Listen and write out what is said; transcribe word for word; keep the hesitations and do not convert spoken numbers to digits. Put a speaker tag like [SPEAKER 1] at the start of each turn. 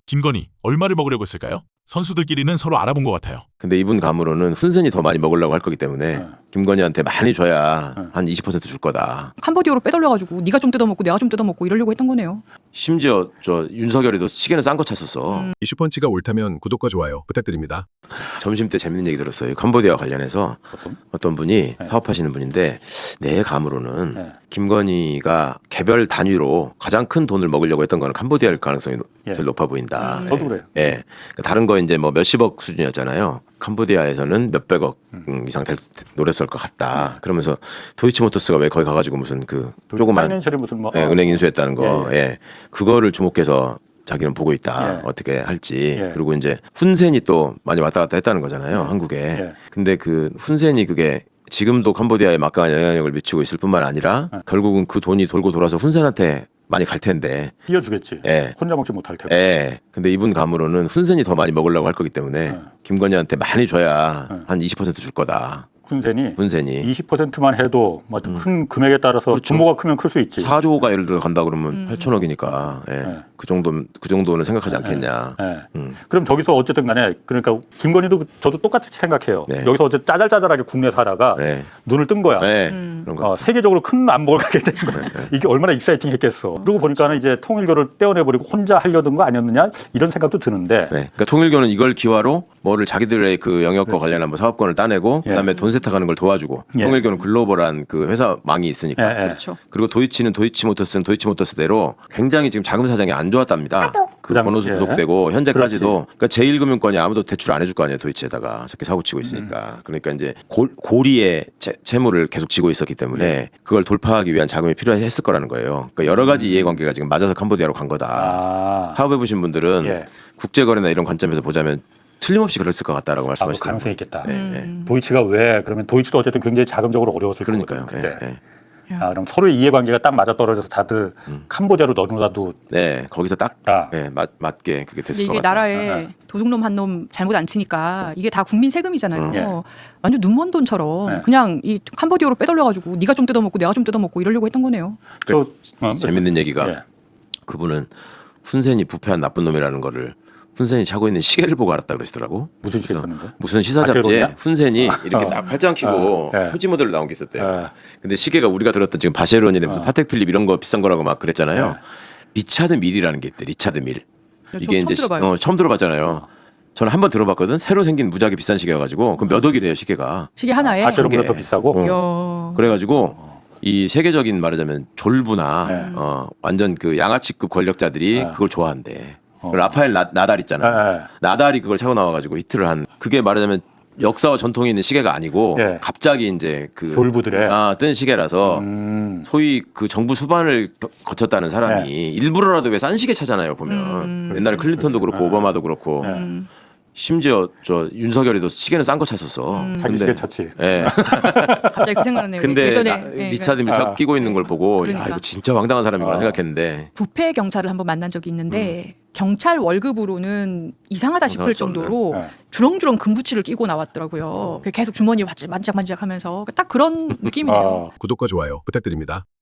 [SPEAKER 1] 김건희 얼마를 먹으려고 했을까요? 선수들끼리는 서로 알아본 것 같아요.
[SPEAKER 2] 근데 이분 감으로는 훈센이 더 많이 먹으려고 할 거기 때문에
[SPEAKER 3] 네.
[SPEAKER 2] 김건희한테 많이 줘야
[SPEAKER 3] 네.
[SPEAKER 2] 한 이십 퍼센트 줄 거다.
[SPEAKER 4] 캄보디아로 빼돌려가지고 네가 좀 뜯어먹고 내가 좀 뜯어먹고 이러려고 했던 거네요.
[SPEAKER 2] 심지어 저 윤석열이도 시계는 싼 거 찼었어.
[SPEAKER 4] 음.
[SPEAKER 5] 이슈펀치가 옳다면 구독과 좋아요 부탁드립니다.
[SPEAKER 2] 점심 때 재밌는 얘기 들었어요. 캄보디아 관련해서
[SPEAKER 3] 어떤?
[SPEAKER 2] 어떤 분이
[SPEAKER 3] 네.
[SPEAKER 2] 사업하시는 분인데 내 감으로는
[SPEAKER 3] 네.
[SPEAKER 2] 김건희가 개별 단위로 가장 큰 돈을 먹으려고 했던 거는 캄보디아일 가능성이
[SPEAKER 3] 예.
[SPEAKER 2] 제일 높아 보인다.
[SPEAKER 4] 음.
[SPEAKER 3] 저도 그래요.
[SPEAKER 2] 예. 그러니까 다른 거 이제 뭐 몇십억 수준이었잖아요. 캄보디아에서는 몇백억 음, 이상 될 노렸을 것 같다. 그러면서 도이치모터스가 왜 거기 가가지고 무슨 그 조그만
[SPEAKER 3] 파이낸셜이 무슨 뭐
[SPEAKER 2] 예, 은행 인수했다는 거,
[SPEAKER 3] 예,
[SPEAKER 2] 예,
[SPEAKER 3] 예.
[SPEAKER 2] 그거를 주목해서 자기는 보고 있다.
[SPEAKER 3] 예.
[SPEAKER 2] 어떻게 할지.
[SPEAKER 3] 예.
[SPEAKER 2] 그리고 이제 훈센이 또 많이 왔다 갔다 했다는 거잖아요. 한국에.
[SPEAKER 3] 예.
[SPEAKER 2] 근데 그 훈센이 그게 지금도 캄보디아에 막강한 영향력을 미치고 있을 뿐만 아니라
[SPEAKER 3] 예.
[SPEAKER 2] 결국은 그 돈이 돌고 돌아서 훈센한테 많이 갈 텐데.
[SPEAKER 3] 띄워주겠지.
[SPEAKER 2] 예.
[SPEAKER 3] 혼자 먹지 못할 테고.
[SPEAKER 2] 예. 근데 이분 감으로는 훈센이 더 많이 먹으려고 할 거기 때문에
[SPEAKER 3] 예.
[SPEAKER 2] 김건희한테 많이 줘야
[SPEAKER 3] 예.
[SPEAKER 2] 한 이십 퍼센트 줄 거다.
[SPEAKER 3] 훈센이
[SPEAKER 2] 훈센이.
[SPEAKER 3] 이십 퍼센트만 해도 뭐 큰 금액에 따라서
[SPEAKER 2] 그렇죠.
[SPEAKER 3] 규모가 크면 클 수 있지.
[SPEAKER 2] 사조가 예를 들어 간다 그러면
[SPEAKER 4] 음.
[SPEAKER 2] 팔천억이니까 예.
[SPEAKER 3] 예.
[SPEAKER 2] 그 정도 그 정도는 생각하지 않겠냐.
[SPEAKER 3] 예.
[SPEAKER 2] 음.
[SPEAKER 3] 그럼 저기서 어쨌든 간에 그러니까 김건희도 저도 똑같이 생각해요.
[SPEAKER 2] 네.
[SPEAKER 3] 여기서 어제 짜잘짜잘하게 국내 사다가
[SPEAKER 2] 네.
[SPEAKER 3] 눈을 뜬 거야.
[SPEAKER 2] 네.
[SPEAKER 4] 음.
[SPEAKER 2] 그런 거.
[SPEAKER 3] 어, 세계적으로 큰 안목을 갖게 된 거지. 이게 얼마나 익사이팅했겠어. 그러고 보니까는 이제 통일교를 떼어내버리고 혼자 하려던 거 아니었느냐 이런 생각도 드는데.
[SPEAKER 2] 네. 그러니까 통일교는 이걸 기화로 뭐를 자기들의 그 영역과
[SPEAKER 3] 그렇지.
[SPEAKER 2] 관련한 뭐 사업권을 따내고
[SPEAKER 3] 예.
[SPEAKER 2] 그다음에 돈 세탁하는 걸 도와주고
[SPEAKER 3] 예.
[SPEAKER 2] 통일교는 글로벌한 그 회사망이 있으니까.
[SPEAKER 3] 예, 예.
[SPEAKER 4] 그렇죠.
[SPEAKER 2] 그리고 도이치는 도이치모터스는 도이치모터스대로 굉장히 지금 자금 사정이 안 좋았답니다. 그
[SPEAKER 3] 그다음-
[SPEAKER 2] 번호수
[SPEAKER 3] 예.
[SPEAKER 2] 구속되고 현재까지도
[SPEAKER 3] 그렇지.
[SPEAKER 2] 그러니까 제일금융권이 아무도 대출 안 해줄 거 아니에요. 도이치에다가 저렇게 사고 치고 있으니까. 그러니까 이제 골, 고리의 채, 채무를 계속 지고 있었기 때문에 그걸 돌파하기 위한 자금이 필요했을 거라는 거예요. 그러니까 여러 가지 이해관계가 지금 맞아서 캄보디아로 간 거다.
[SPEAKER 3] 아,
[SPEAKER 2] 사업해 보신 분들은
[SPEAKER 3] 예.
[SPEAKER 2] 국제거래나 이런 관점에서 보자면 틀림없이 그랬을 것 같다라고
[SPEAKER 3] 아, 그
[SPEAKER 2] 말씀하시더라고요.
[SPEAKER 3] 가능성이 있겠다.
[SPEAKER 2] 네,
[SPEAKER 4] 음.
[SPEAKER 2] 네.
[SPEAKER 3] 도이치가 왜 그러면 도이치도 어쨌든 굉장히 자금적으로 어려웠을
[SPEAKER 2] 그러니까요.
[SPEAKER 3] 거거든요.
[SPEAKER 2] 네,
[SPEAKER 3] 그때.
[SPEAKER 2] 네.
[SPEAKER 3] 아, 그럼 서로의 이해관계가 딱 맞아 떨어져서 다들 캄보디아로 넣어놔도
[SPEAKER 2] 네, 거기서 딱
[SPEAKER 3] 아.
[SPEAKER 2] 네, 맞, 맞게 그게
[SPEAKER 4] 근데
[SPEAKER 2] 됐을 것
[SPEAKER 4] 이게
[SPEAKER 2] 같아요.
[SPEAKER 4] 나라에
[SPEAKER 3] 아, 아.
[SPEAKER 4] 도둑놈 한 놈 잘못 안 치니까 이게 다 국민 세금이잖아요.
[SPEAKER 2] 음.
[SPEAKER 3] 예.
[SPEAKER 4] 완전 눈먼 돈처럼
[SPEAKER 3] 네.
[SPEAKER 4] 그냥 이 캄보디아로 빼돌려가지고 네가 좀 뜯어먹고 내가 좀 뜯어먹고 이러려고 했던 거네요.
[SPEAKER 3] 저 어,
[SPEAKER 2] 재밌는 얘기가
[SPEAKER 3] 예.
[SPEAKER 2] 그분은 훈센이 부패한 나쁜 놈이라는 거를 훈센이 차고 있는 시계를 보고 알았다 그러시더라고.
[SPEAKER 3] 무슨 시계
[SPEAKER 2] 그래서
[SPEAKER 3] 샀는데?
[SPEAKER 2] 무슨 시사 잡지에
[SPEAKER 3] 바쉐론이야?
[SPEAKER 2] 훈센이 이렇게
[SPEAKER 3] 어.
[SPEAKER 2] 딱 팔짱 끼고
[SPEAKER 3] 어, 예.
[SPEAKER 2] 표지 모델로 나온 게 있었대요.
[SPEAKER 3] 예.
[SPEAKER 2] 근데 시계가 우리가 들었던 지금 바쉐론이나 무슨
[SPEAKER 3] 어.
[SPEAKER 2] 파텍 필립 이런 거 비싼 거라고 막 그랬잖아요.
[SPEAKER 3] 예.
[SPEAKER 2] 리차드 밀이라는 게 있대. 리차드 밀.
[SPEAKER 4] 저
[SPEAKER 2] 이게
[SPEAKER 4] 처음
[SPEAKER 2] 이제 시-
[SPEAKER 4] 들어봐요.
[SPEAKER 2] 어, 처음 들어봤잖아요. 저는 한 번 들어봤거든. 새로 생긴 무지하게 비싼 시계여가지고 그 몇 억이래요 시계가.
[SPEAKER 4] 시계 하나에.
[SPEAKER 3] 바쉐론보다
[SPEAKER 2] 게.
[SPEAKER 3] 더 비싸고.
[SPEAKER 2] 어.
[SPEAKER 4] 야.
[SPEAKER 2] 그래가지고 이 세계적인 말하자면 졸부나
[SPEAKER 3] 네.
[SPEAKER 2] 어, 완전 그 양아치급 권력자들이
[SPEAKER 3] 네.
[SPEAKER 2] 그걸 좋아한대.
[SPEAKER 3] 어.
[SPEAKER 2] 그 라파엘 나, 나달 있잖아.
[SPEAKER 3] 예, 예.
[SPEAKER 2] 나달이 그걸 차고 나와가지고 히트를 한. 그게 말하자면 역사와 전통이 있는 시계가 아니고
[SPEAKER 3] 예.
[SPEAKER 2] 갑자기 이제 그
[SPEAKER 3] 졸부들의.
[SPEAKER 2] 아, 뜬 시계라서
[SPEAKER 3] 음.
[SPEAKER 2] 소위 그 정부 수반을 거- 거쳤다는 사람이 일부러라도 왜 싼 시계 차잖아요 보면.
[SPEAKER 4] 음.
[SPEAKER 2] 옛날에 클린턴도 그렇고
[SPEAKER 3] 예.
[SPEAKER 2] 오바마도 그렇고.
[SPEAKER 3] 예.
[SPEAKER 4] 음.
[SPEAKER 2] 심지어 저 윤석열이도 시계는 싼 거 찼었어.
[SPEAKER 4] 음.
[SPEAKER 3] 자기 시계 찼지.
[SPEAKER 2] 예.
[SPEAKER 4] 갑자기 그 생각나네요.
[SPEAKER 2] 근데
[SPEAKER 4] 예전에
[SPEAKER 2] 나-
[SPEAKER 4] 예,
[SPEAKER 2] 리차드 밀
[SPEAKER 3] 아.
[SPEAKER 2] 끼고 있는 걸 보고 야
[SPEAKER 4] 그러니까.
[SPEAKER 2] 이거 진짜 황당한 사람이구나
[SPEAKER 3] 아.
[SPEAKER 2] 생각했는데
[SPEAKER 4] 부패 경찰을 한번 만난 적이 있는데 경찰 월급으로는 이상하다 싶을
[SPEAKER 2] 이상할 수 없는.
[SPEAKER 4] 정도로
[SPEAKER 3] 예.
[SPEAKER 4] 주렁주렁 금부치를 끼고 나왔더라고요. 계속 주머니에 만지작만지작 하면서 딱 그런 느낌이네요.
[SPEAKER 3] 아.
[SPEAKER 5] 구독과 좋아요 부탁드립니다.